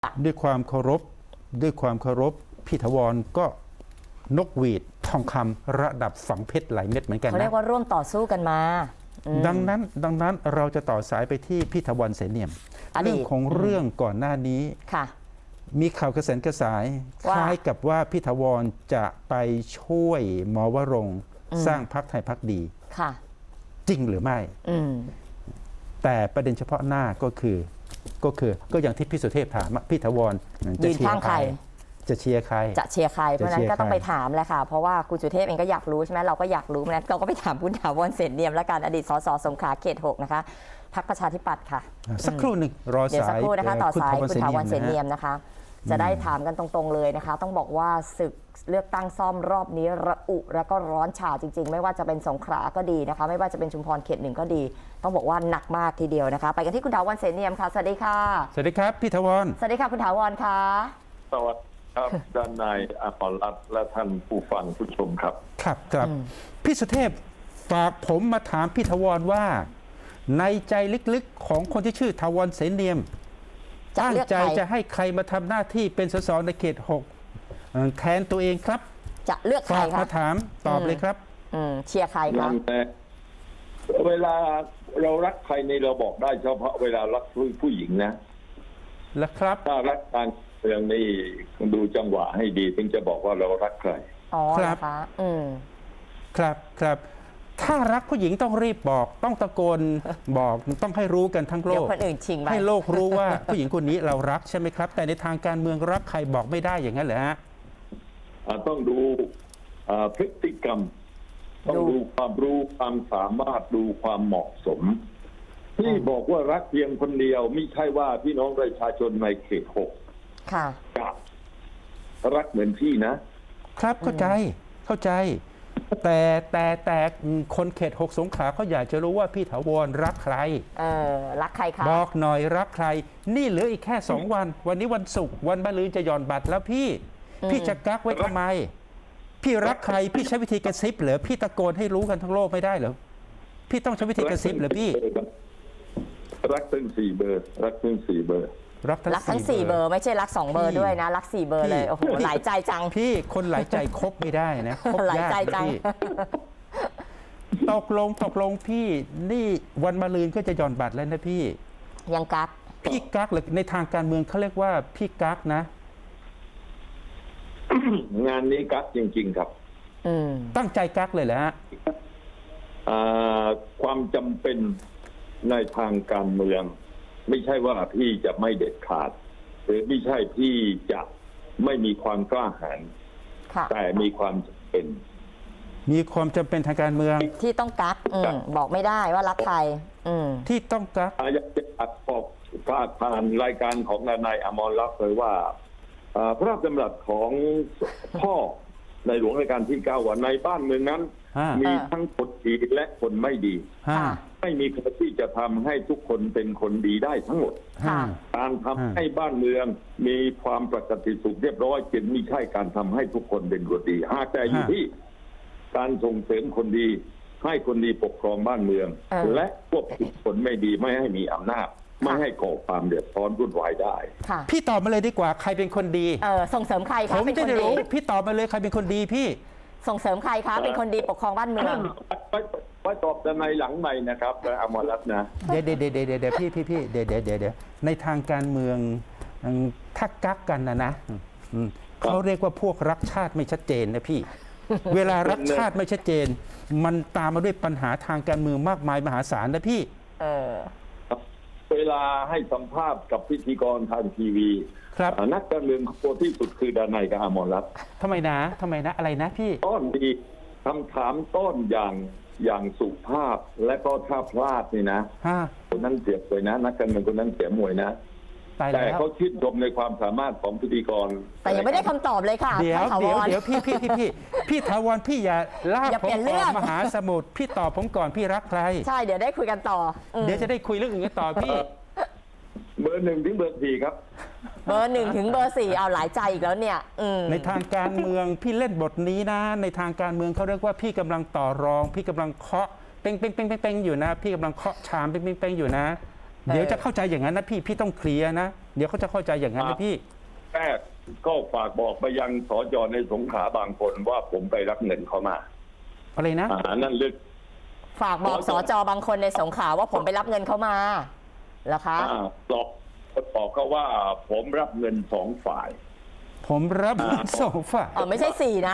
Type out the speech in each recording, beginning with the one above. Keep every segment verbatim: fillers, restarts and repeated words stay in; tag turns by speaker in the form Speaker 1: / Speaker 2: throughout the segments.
Speaker 1: ด้วยความเคารพด้วยความเคารพพี่ถาวรก็นกหวีดทองคำระดับฝังเพชรหลายเม็ดเหมือนกันนะ
Speaker 2: เขาเรียกว่าร่วมต่อสู้กันมา
Speaker 1: ดังนั้นดังนั้นเราจะต่อสายไปที่พี่ถาวรเสนเนียมเรื่องของเรื่องก่อนหน้านี้
Speaker 2: ค่ะ
Speaker 1: มีข่าวกระแสนกระสายคล้ายกับว่าพี่ถาวรจะไปช่วยหมอวรงค์สร้างพรรคไทยพรรคดี
Speaker 2: ค่ะ
Speaker 1: จริงหรือไม่แต่ประเด็นเฉพาะหน้าก็คือก็คือก็อย่างที่พี่สุเทพถามพี่ถาวรจะเชียร์ใครจะเชียร์ใคร
Speaker 2: จะเชียร์ใครเพราะนั้นก็ต้องไปถามแหละค่ะเพราะว่าคุณสุเทพเองก็อยากรู้ใช่ไหมเราก็อยากรู้เพราะนั้นเราก็ไปถามคุณถาวรเสนเนียมและการอดีตสสสงขลาเขตหกนะคะพรรคประชาธิปัตย์ค่ะ
Speaker 1: สักครู่หนึ่งรอสาย
Speaker 2: เดี๋ยวสักครู่นะคะต่อสายคุณถาวรเสนเนียม
Speaker 1: นะ
Speaker 2: นะคะจะได้ถามกันตรงๆเลยนะคะต้องบอกว่าศึกเลือกตั้งซ่อมรอบนี้ระอุแล้วก็ร้อนฉาจริงๆไม่ว่าจะเป็นสงขลาก็ดีนะคะไม่ว่าจะเป็นชุมพรเขตหนึ่งก็ดีต้องบอกว่าหนักมากทีเดียวนะคะไปกันที่คุณถาวรเสนเนียมค่ะสวัสดีค่ะ
Speaker 1: สวัสดีครับพี่ถาวร
Speaker 2: สวัสดีค่ะคุณถาวรค่ะ
Speaker 3: สวัสดีครับด้านนายอมรรัตน์และท่านผู้ฟังผู้ชมครับ
Speaker 1: ครับครับพี่สุเทพฝากผมมาถามพี่ถาวรว่าในใจลึกๆของคนที่ชื่อถาวรเสนเนียมตั้งใจจะให้ใครมาทำหน้าที่เป็นสสในเขตหกแทนตัวเองครับ
Speaker 2: จะเลือกใครครับ
Speaker 1: มาถามตอบเลยครับ
Speaker 2: เชียร์ใครครับ
Speaker 3: เวลาเรารักใครในเราบอกได้เฉพาะเวลารักผู้หญิงนะ
Speaker 1: แล้วครับ
Speaker 3: ถ้ารักการเมืองนี่ดูจังหวะให้ดีถึงจะบอกว่าเรารักใคร
Speaker 2: อ๋อครับอืม
Speaker 1: ครับครับถ้ารักผู้หญิงต้องรีบบอกต้องตะโกนบอกต้องให้รู้กันทั้งโลกให้โลกรู้ว่าผู้หญิงคนนี้เรารักใช่ไหมครับแต่ในทางการเมืองรักใครบอกไม่ได้อย่างนั้นเหรอฮะ
Speaker 3: ต้องดูพฤติกรรมต้องดูความรู้ความสามารถดูความเหมาะสมที่บอกว่ารักเพียงคนเดียวไม่ใช่ว่าพี่น้องประชาชนในเขตหกกับรักเหมือนพี่นะครับ
Speaker 1: เข้าใจเข้าใจแต่แต่แต่คนเขตหกสงขลาเขาอยากจะรู้ว่าพี่ถาวรรักใคร
Speaker 2: เออรักใครครับ
Speaker 1: บอกหน่อยรักใครนี่เหลืออีกแค่สองวันวันนี้วันศุกร์วันมะรืนจะหย่อนบัตรแล้วพี่พี่จะกักไว้ทำไมพี่รักใครพี่ใช้วิธีกระซิบเหรอพี่ตะโกนให้รู้กันทั้งโลกไม่ได้เหรอพี่ต้องใช้วิธีกระซิบเหรอพี่
Speaker 3: รักทั้งสี่เบอร์รักทั้งสี่เบอร์
Speaker 2: รักทั้งสี่เบอร์ไม่ใช่รักสองเบอร์ด้วยนะรักสี่เบอร์เลยโอ้โหหลายใจจัง
Speaker 1: พี่คนหลายใจคบไม่ได้นะคบ
Speaker 2: หลายใจจัง
Speaker 1: ตกลงตกลงพี่นี่วันมะรืนก็จะหย่อนบัตรแล้วนะพี่
Speaker 2: ยังกัก
Speaker 1: พี่กักหรือในทางการเมืองเขาเรียกว่าพี่กักนะ
Speaker 3: งานนี้กักจริงๆครับ
Speaker 1: ตั้งใจกักเลยแหละฮะ
Speaker 3: ความจำเป็นในทางการเมืองไม่ใช่ว่าพี่จะไม่เด็ดขาดหรือไม่ใช่พี่จะไม่มีความกล้าหาญแต่มีความจำเป็น
Speaker 1: มีความจำเป็นทางการเมือง
Speaker 2: ที่ต้องกักบอกไม่ได้ว่ารักใคร
Speaker 1: ที่ต้องกัก
Speaker 3: อยากจะอัดบอกผ่านรายการของนายอมรรัตน์เลยว่าพระราชดำรัสของพ่อในหลวงรัชกาลที่เก้าว่าในบ้านเมืองนั้นมีทั้งคนดีและคนไม่ดีไม่มีใครที่จะทำให้ทุกคนเป็นคนดีได้ทั้งหมดการทำให้บ้านเมืองมีความปกติสุขเรียบร้อยจึงไม่ใช่การทำให้ทุกคนเป็นคนดีหากแต่อยู่ที่การส่งเสริมคนดีให้คนดีปกครองบ้านเมืองและควบคุมคนไม่ดีไม่ให้มีอำนาจไม่ให้ก่อความเดือดร้อนวุ่นวายได้
Speaker 1: พี่ตอบมาเลยดีกว่าใครเป็นคนดี
Speaker 2: เออส่งเสริมใครคะ
Speaker 1: ผมจะได้รู้พี่ตอบมาเลยใครเป็นคนดีพี่
Speaker 2: ส่งเสริมใครคะเป็นคนดีปกครองบ้านเมือง
Speaker 3: ไว้ตอบในหลังใหม่นะครับอมรรัตน์นะ
Speaker 1: เดี๋ยวเดี๋ยวเดี๋ยวเดี๋ยวพี่พี่พี่เดี๋ยวเดี๋ยวเดี๋ยวในทางการเมืองถ้ากักกันนะนะเขาเรียกว่าพวกรักชาติไม่ชัดเจนนะพี่เวลารักชาติไม่ชัดเจนมันตามมาด้วยปัญหาทางการเมืองมากมายมหาศาลนะพี่
Speaker 2: เออ
Speaker 3: เวลาให้สัมภาษณ์กับพิธีกรทางทีวี
Speaker 1: ครับ
Speaker 3: นักการเมืองโปรที่สุดคือดานายกับอมรรัตน์
Speaker 1: ทำไมนะทำไมนะอะไรนะพี่
Speaker 3: ต้นดีคำถามต้นอย่างอย่างสุภาพและก็ถ้าพลาดนี่นะคนนั้นเสียมวยนะนักการเมืองคนนั้นเสียมวยนะแต่เขาชื่นชมในความสามารถของพิธีกร
Speaker 2: แต่ยังไม่ได้คำตอบเลยค่ะ
Speaker 1: เดี๋ยวเดี๋ยวเดี๋ยวพี่พี่พี่พี่พี่ถาวรพี่อย่าลากผมออกมหาสมุทรพี่ตอบผมก่อนพี่รักใคร
Speaker 2: ใช่เดี๋ยวได้คุยกันต่อ
Speaker 1: เดี๋ยวจะได้คุยเรื่องอื่นกันต่อพี่
Speaker 3: เบอร์หนึ่งถึงเบอร์สี่ครับ
Speaker 2: เบอร์หนึ่งถึงเบอร์สี่เอาหลายใจอีกแล้วเนี่ย
Speaker 1: ในทางการเมืองพี่เล่นบทนี้นะในทางการเมืองเขาเรียกว่าพี่กำลังต่อรองพี่กำลังเคาะเป้งเป้งเป้งเป้งอยู่นะพี่กำลังเคาะชามเป้งเป้งเป้งอยู่นะเดี๋ยวจะเข้าใจอย่างนั้นนะพี่พี่ต้องเคลียร์นะเดี๋ยวเขาจะเข้าใจอย่างนั้นนะพี่
Speaker 3: แรกก็ฝากบอกไปยังสจในสงขลาบางคนว่าผมไปรับเงินเขามา
Speaker 1: อะไรนะ
Speaker 3: อ่านั่นลึก
Speaker 2: ฝากบอกสจบางคนในสงขลาว่าผมไปรับเงินเขามาเหรอคะ
Speaker 3: อ่าบอกบอกเขาว่าผมรับเงินสองฝ่าย
Speaker 1: ผมรับ
Speaker 3: อ่า
Speaker 1: ส่งฝาก
Speaker 2: อ๋อไม่ใช่สี่นะ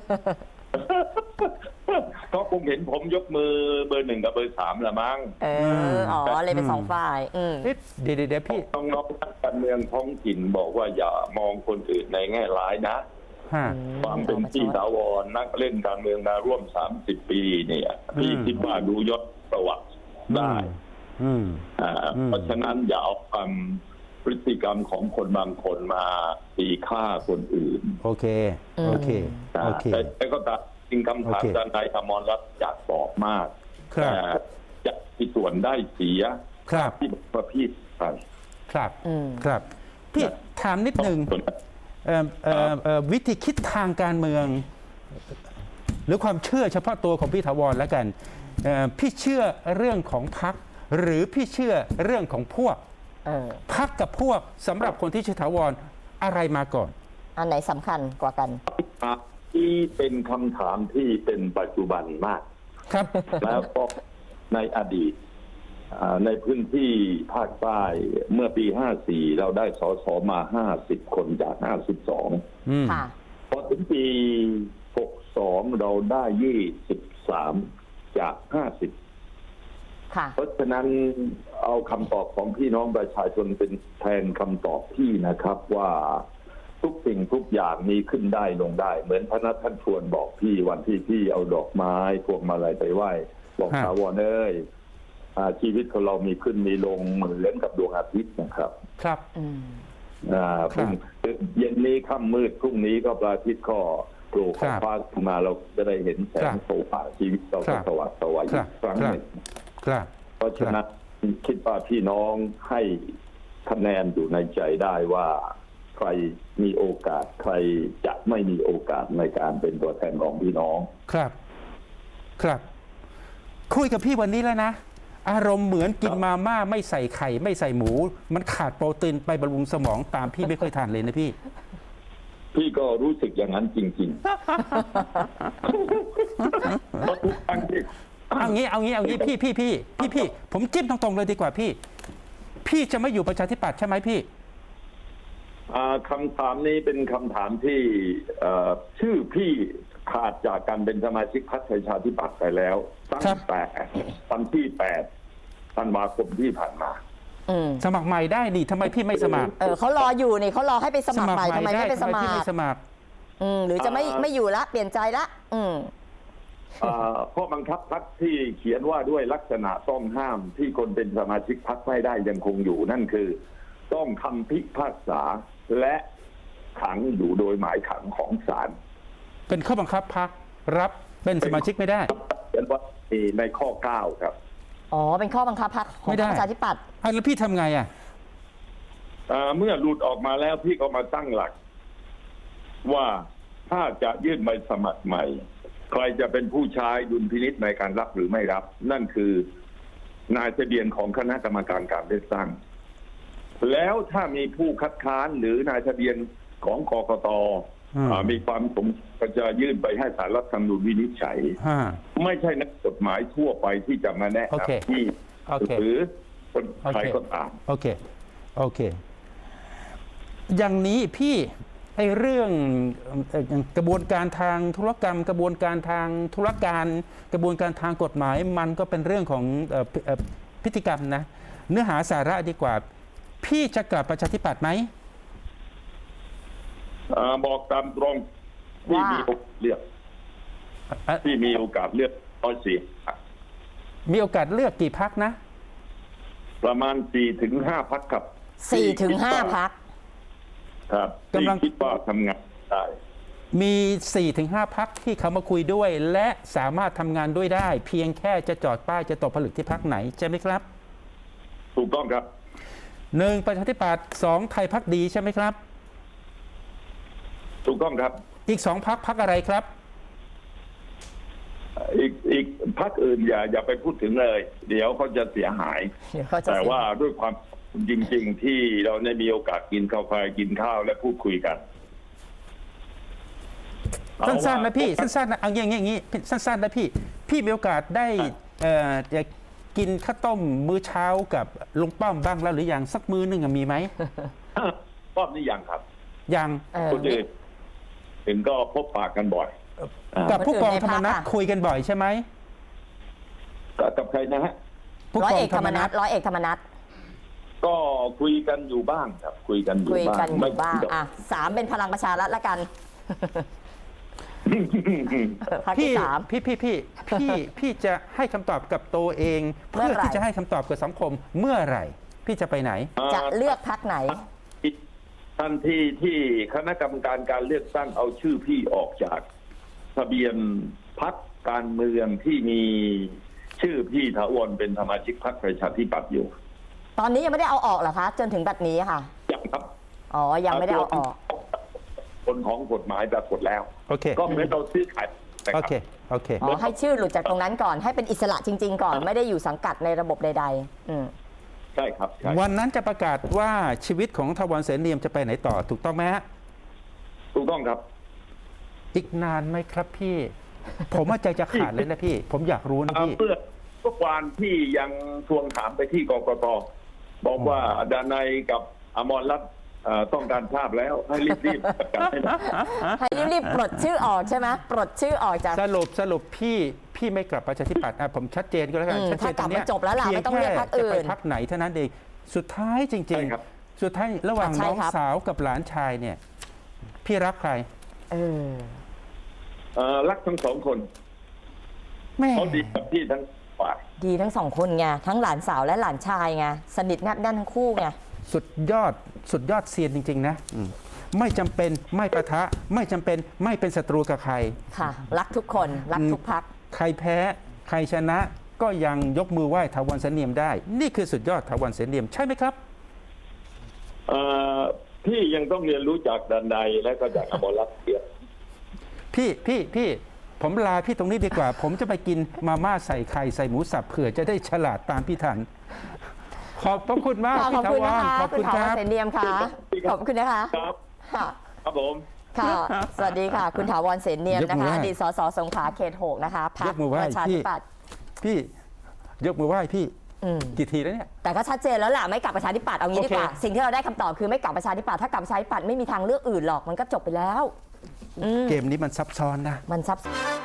Speaker 3: ก็คงเห็นผมยกมือเบอร์หนึ่งกับเบอร์สามละมั้ง
Speaker 2: เออ อ๋อ เลยเป็นสองฝ่าย อืม
Speaker 1: เอ๊ะเดี๋ยวเดี๋ยวเดี๋ยวพี่
Speaker 3: น้องๆนักการเมืองท้องถิ่นบอกว่าอย่ามองคนอื่นในแง่ร้ายนะ
Speaker 1: ฮะ
Speaker 3: ความเป็นพี่ถาวรนักเล่นการเมืองมาร่วมสามสิบปีเนี่ยพี่
Speaker 1: อืม
Speaker 3: คิดว่าดูยศประวัติได้
Speaker 1: อืม
Speaker 3: อ่า
Speaker 1: อืม
Speaker 3: เพราะฉะนั้นอย่าเอาความพฤติกรรมของคนบางคนมาตีค่าคนอื่น
Speaker 1: โอเค โอเค
Speaker 3: นะ
Speaker 1: โอเค
Speaker 3: แต่แต่ก็ตามจริงคำถาม
Speaker 1: โอเค
Speaker 3: ด้านนายอมรรัตน์อยากตอบมาก
Speaker 1: ครับ
Speaker 3: แต่จะมีส่วนได้เสีย
Speaker 1: ครับ
Speaker 3: ที่บอกว่าพี่ไป
Speaker 1: ครับ
Speaker 2: อืม
Speaker 1: ครับ พี่ถามนิดหนึ่งเอ่อเอ่อเอ่อวิธีคิดทางการเมือง หรือความเชื่อเฉพาะตัวของพี่ถาวรแล้วกันเอ่อพี่เชื่อเรื่องของพรรคหรือพี่เชื่อเรื่องของพวก
Speaker 2: เออ
Speaker 1: พรรคกับพวกสำหรับคนที่ชื่อถาวรอะไรมาก่อน
Speaker 2: อันไหนสำคัญกว่ากัน
Speaker 3: ที่เป็นคำถามที่เป็นปัจจุบันมาก
Speaker 1: ครับ
Speaker 3: แล้วก็ในอดีตอ่าในพื้นที่ภาคใต้เมื่อปีห้าสี่เราได้สสมาห้าสิบคนจากห้าสิบสอง
Speaker 1: อืม
Speaker 2: ค่ะ
Speaker 3: พอถึงปีหกสองเราได้ยี่สิบสามจากห้าสิบ
Speaker 2: ค่ะ
Speaker 3: เพราะฉะนั้นเอาคำตอบของพี่น้องประชาชนเป็นแทนคำตอบพี่นะครับว่าทุกสิ่งทุกอย่างมีขึ้นได้ลงได้ เหมือนพระนัทท่านชวนบอกพี่วันที่พี่เอาดอกไม้พวงมาลัยไปไหว้บอก
Speaker 1: ฮะ
Speaker 3: ถาวรเอ้ยอ่าชีวิตของเรามีขึ้นมีลงเหมือนกับดวงอาทิตย์นะครับ
Speaker 1: ครับ
Speaker 2: อืม
Speaker 3: อ่า
Speaker 1: ครั
Speaker 3: พ
Speaker 1: บ
Speaker 3: รุ่งเย็นนี้ค่ำมืดพรุ่งนี้ก็พระอาทิตย์ก็โผล่
Speaker 1: ครับ
Speaker 3: ฟ้าขึ้นมาเราจะได้เห็นแส
Speaker 1: ครั
Speaker 3: ง
Speaker 1: บ
Speaker 3: โผล่ผ่าชีวิตเรา
Speaker 1: ครั
Speaker 3: ก็
Speaker 1: บ
Speaker 3: สว่างสวาย
Speaker 1: ค
Speaker 3: อี
Speaker 1: รับ
Speaker 3: กครั้ง
Speaker 1: ครับ
Speaker 3: หนึ่ง
Speaker 1: ครับ
Speaker 3: เพราะฉะนั้นคิดว่าพี่น้องให้คะแนนอยู่ในใจได้ว่าใครมีโอกาสใครจะไม่มีโอกาสในการเป็นตัวแทนของพี่น้อง
Speaker 1: ครับ ครับ คุยกับพี่วันนี้แล้วนะ อารมณ์เหมือนกินมาม่าไม่ใส่ไข่ไม่ใส่หมู มันขาดโปรตีนไปบำรุงสมองตามพี่ไม่ค่อยทานเลยนะพี่
Speaker 3: พี่ก็รู้สึกอย่างนั้นจริงๆเพราะทุกครั้งที่
Speaker 1: เอางี้เอางี้เอางี้พี่พี่พี่พี่พี่ผมจิ้มตรงๆเลยดีกว่าพี่ พี่จะไม่อยู่ประชาธิปัตย์ใช่ไหมพี่
Speaker 3: อ่าคำถามนี้เป็นคำถามที่เอ่อชื่อพี่ขาดจากการเป็นสมาชิกพรรคประชาธิปัตย์ไปแล้วตั้ง
Speaker 1: ครับ
Speaker 3: แต่วันที่แปดธันวาคมที่ผ่านมา
Speaker 2: อืม
Speaker 1: สมัครใหม่ได้นี่ทำไมพี่ไม่สมัคร
Speaker 2: เออเขารออยู่นี่เขารอให้ไปสมัครใหม่ทำไมไม่ไปส
Speaker 1: ทำไม
Speaker 2: มั
Speaker 1: พี่
Speaker 2: ค
Speaker 1: ไม่
Speaker 2: ร
Speaker 1: สมัคร
Speaker 2: อืม หรือจะไม่
Speaker 3: อ่า
Speaker 2: ไม่อยู่ละ เปลี่ยนใจละ อืม
Speaker 3: อ่าข้อบังคับพรรคที่เขียนว่าด้วยลักษณะต้องห้ามที่คนเป็นสมาชิกพรรคไม่ได้ยังคงอยู่นั่นคือ ต้องคำพิพากษาและขังอยู่โดยหมายขังของศาล
Speaker 1: เป็นข้อบังคับพรรครับเป็นสมาชิกไม่ได้
Speaker 3: เขียนว่าในข้อเก้าครับ
Speaker 2: อ๋อ เป็นข้อบังคับพรรคของ
Speaker 1: ไม่ได้
Speaker 2: ประชาธิปัตย์
Speaker 1: อ่ะแล้วพี่ทำไงอ่ะ
Speaker 3: อ่าเมื่อหลุดออกมาแล้วพี่ก็มาตั้งหลัก ว่าถ้าจะยื่นใบสมัครใหม่ ใครจะเป็นผู้ใช้ดุลพินิจในการรับหรือไม่รับ นั่นคือนายทะเบียนของคณะกรรมการการเลือกตั้ง แล้วถ้ามีผู้คัดค้านหรือนายทะเบียนของกกต
Speaker 1: อืม
Speaker 3: อ่ามีความสมก็จะยื่นไปให้ศาลรัฐธรรมนูญวินิจฉัย
Speaker 1: ฮะ
Speaker 3: ไม่ใช่นักกฎหมายทั่วไปที่จะมาแนะ
Speaker 1: โอเค
Speaker 3: นำที่
Speaker 1: โอเค
Speaker 3: หรือคน
Speaker 1: โอเค
Speaker 3: ใครก็ตาม
Speaker 1: โอเค โอเค อย่างนี้พี่ไอ้เรื่องเอ่อกระบวนการทางธุรกรรม กระบวนการทางธุรการ กระบวนการทางกฎหมาย มันก็เป็นเรื่องของเอ่อเอ่อพฤติกรรมนะ เนื้อหาสาระดีกว่า พี่จะกลับประชาธิปัตย์ไหม
Speaker 3: อ่าบอกตามตรงที่
Speaker 2: ว่ามี
Speaker 3: มีโอกาสเลือก
Speaker 1: อ่ะ
Speaker 3: ที่มีโอกาสเลือกร้อยสี่
Speaker 1: มีโอกาสเลือกกี่พักนะ
Speaker 3: ประมาณสี่ถึงห้าพักครับ
Speaker 2: สี่ถึงห้าพัก
Speaker 3: ครับที่
Speaker 1: กำลัง
Speaker 3: คิดว่าทำงานได้
Speaker 1: มี สี่ถึงห้า พักที่เขามาคุยด้วย และสามารถทำงานด้วยได้ เพียงแค่จะจอดป้ายจะตกผลึกที่พักไหนใช่ไหมครับ
Speaker 3: ถูกต้องครับ
Speaker 1: หนึ่งประชาธิปัตย์สองไทยพักดีใช่ไหมครับ
Speaker 3: ถูกต้องครับ
Speaker 1: อีกสองพักพักอะไรครับ
Speaker 3: อีกอีกพรรคอื่นอย่าอย่าไปพูดถึงเลย เดี๋ยวเขาจะเสียหาย
Speaker 2: เดี๋ยวเขาจะ
Speaker 3: แต่
Speaker 2: เสีย
Speaker 3: ว่าด้วยความจริง ๆ ที่เราได้มีโอกาสกินกาแฟกินข้าวและพูดคุยกัน
Speaker 1: สั้นๆนะพี่สั้นๆนะเอาอย่างงี้อย่างงี้สั้นๆนะพี่พี่มีโอกาสได้เอ่อจะกินข้าวต้มมื้อเช้ากับลุงป้อมบ้างแล้วหรือยังสักมื้อหนึงอะมีไหม
Speaker 3: รอบนี้ยังครับ
Speaker 1: ยัง
Speaker 2: เออ
Speaker 3: คนอื่นถึงก็พบปากกันบ่อย
Speaker 1: กับผู้กองธรรมนัฐ
Speaker 2: คนอื่นในพรรคอะ
Speaker 1: คุยกันบ่อยใช่ไหม
Speaker 3: กับกับใครนะฮะ
Speaker 1: ผู้
Speaker 2: ร้อย
Speaker 1: กอ
Speaker 2: เอง ก
Speaker 1: ธ
Speaker 2: ธ
Speaker 1: ร
Speaker 2: ร
Speaker 1: ร
Speaker 2: ร
Speaker 1: ม
Speaker 2: ม
Speaker 1: นั
Speaker 2: นั
Speaker 1: ฐ
Speaker 2: ฐร้อยเอกธรรมนัฐ
Speaker 3: ก็คุยกันอยู่บ้างครับ คุยกันอยู่
Speaker 2: คุย
Speaker 3: บ้าง
Speaker 2: กันอ
Speaker 3: ไม่
Speaker 2: ยู่บ้างอ่ะสามเป็นพลังประชารัฐละกันพรรค
Speaker 1: พี่
Speaker 2: ที่สาม
Speaker 1: พี่พี่พี่พี่พี่จะให้คำตอบกับตัวเอง
Speaker 2: เมื่
Speaker 1: เพื่
Speaker 2: อ
Speaker 1: อ
Speaker 2: ไหร่
Speaker 1: ที่จะให้คำตอบกับสังคมเมื่อไหร่ พี่จะไปไหน
Speaker 2: จะเลือกพรรคไหน
Speaker 3: ทันทีที่คณะกรรมการการเลือกตั้งเอาชื่อพี่ออกจากทะเบียนพรรคการเมืองที่มีชื่อพี่ถาวรเป็นสมาชิกพรรคประชาธิปัตย์อยู่
Speaker 2: ตอนนี้ยังไม่ได้เอาออกเหรอคะ จนถึงบัดนี้ค่ะ
Speaker 3: ยังครับ
Speaker 2: อ๋อ ยังไม่ได้เอาออก
Speaker 3: ผลของกฎหมายปรากฏแล้ว
Speaker 1: โอเค
Speaker 3: ก็เหมือนเราซื้อขายนะ
Speaker 1: โอ
Speaker 3: รับ
Speaker 1: เคโอเค
Speaker 2: อ๋อ ให้ชื่อหลุดจากตรงนั้นก่อน ให้เป็นอิสระจริง ๆ ก่อน ไม่ได้อยู่สังกัดในระบบใดๆ อืม
Speaker 3: ใช่ครับใช่
Speaker 1: วันนั้นจะประกาศว่าชีวิตของทวารเสนเนียมจะไปไหนต่อถูกต้องไหมฮะ
Speaker 3: ถูกต้องครับ
Speaker 1: อีกนานไหมครับพี่ ผมว่าใจจะขาดเลยนะพี่ ผมอยากรู้นะ
Speaker 3: เอ่อ
Speaker 1: พี่
Speaker 3: เมื่อเมื่อวานที่ยังทวงถามไปที่กกตบอกว่าดานายกับอมรรัตน์เอ่อต้องการทราบแล้วให้รีบๆจัดการให้หน่อย
Speaker 2: ให้รีบๆปลดชื่อออกใช่ไหมปลดชื่อออกจาก
Speaker 1: สรุปสรุปพี่พี่ไม่กลับประชาธิปัตย์อ่ะผมชัดเจนก็แล้วกัน
Speaker 2: อืม
Speaker 1: ชัดเจน
Speaker 2: ถ้ากลับ
Speaker 1: ตรงเนี้ย
Speaker 2: มาจบแล้วล่ะไม่ต้องเรียกพรรคอื่น
Speaker 1: จะไปพักไหนเท่านั้นเองสุดท้ายจริง
Speaker 3: ใช่ครับ
Speaker 1: ๆ สุดท้ายระหว่าง
Speaker 2: ใช่
Speaker 1: น้อง
Speaker 2: ครับ
Speaker 1: สาวกับหลานชายเนี่ย พี่รักใคร
Speaker 2: เออ
Speaker 3: เอ่อรักทั้งสองคน
Speaker 1: แม่
Speaker 3: เขาดีกับพี่ทั้งฝ่าย
Speaker 2: ดีทั้งสองคนไง ทั้งหลานสาวและหลานชายไง สนิทแนบแน่นทั้งคู่ไง
Speaker 1: สุดยอดสุดยอดเซียนจริง ๆ นะอืมไม่จำเป็นไม่ประทะ ไม่จำเป็นไม่เป็นศัตรูกับใคร
Speaker 2: ค่ะ รักทุกคน รักทุกพัก
Speaker 1: ใครแพ้ใครชนะก็ยังยกมือไหว้ถาวรเสนเนียมได้ นี่คือสุดยอดถาวรเสนเนียมใช่ไหมครับ
Speaker 3: เอ่อพี่ยังต้องเรียนรู้จากดานายและก็จากอมรรัตน์เสีย
Speaker 1: พี่พี่พี่ผมลาพี่ตรงนี้ดีกว่า ผมจะไปกินมาม่าใส่ไข่ใส่หมูสับเผื่อจะได้ฉลาดตามพี่ทัน ขอบพระคุณมาก
Speaker 2: ข
Speaker 1: พี่
Speaker 2: อบ
Speaker 1: ถา
Speaker 2: คุณ
Speaker 1: ว
Speaker 2: นะ
Speaker 1: ร
Speaker 2: คะ
Speaker 1: ขอบ
Speaker 2: คุ
Speaker 1: คุณ ณ
Speaker 2: ถา
Speaker 1: คว
Speaker 2: ร
Speaker 1: รับ
Speaker 2: เสนเนียมค่ะ ขอบคุณนะคะ
Speaker 3: ครับ
Speaker 2: ค่ะ
Speaker 3: ครับผม
Speaker 2: ค่ะ สวัสดีค่ะ คุณถาวรเสนเนียม
Speaker 1: ยก
Speaker 2: นะ
Speaker 1: มือ
Speaker 2: คะ
Speaker 1: ไหว้
Speaker 2: อดีตสสสงขลาเขตหกนะคะพรร
Speaker 1: ย
Speaker 2: ค
Speaker 1: กมือไหว้
Speaker 2: ประชา
Speaker 1: พี่
Speaker 2: ธิปัตย์
Speaker 1: พี่ยกมือไหว้พี่
Speaker 2: อืม
Speaker 1: กี่ทีแล้วเนี่ย
Speaker 2: แต่ก็ชัดเจนแล้วล่ะไม่กลับประชาธิปัตย์เอางี้
Speaker 1: โอ
Speaker 2: ดี
Speaker 1: เค
Speaker 2: กว่า สิ่งที่เราได้คำตอบคือไม่กลับประชาธิปัตย์ถ้ากลับประชาธิปัตย์ไม่มีทางเลือกอื่นหรอกมันก็จบไปแล้ว อืม
Speaker 1: เกมนี้มันซับซ้อนนะ
Speaker 2: มันซับซ้อน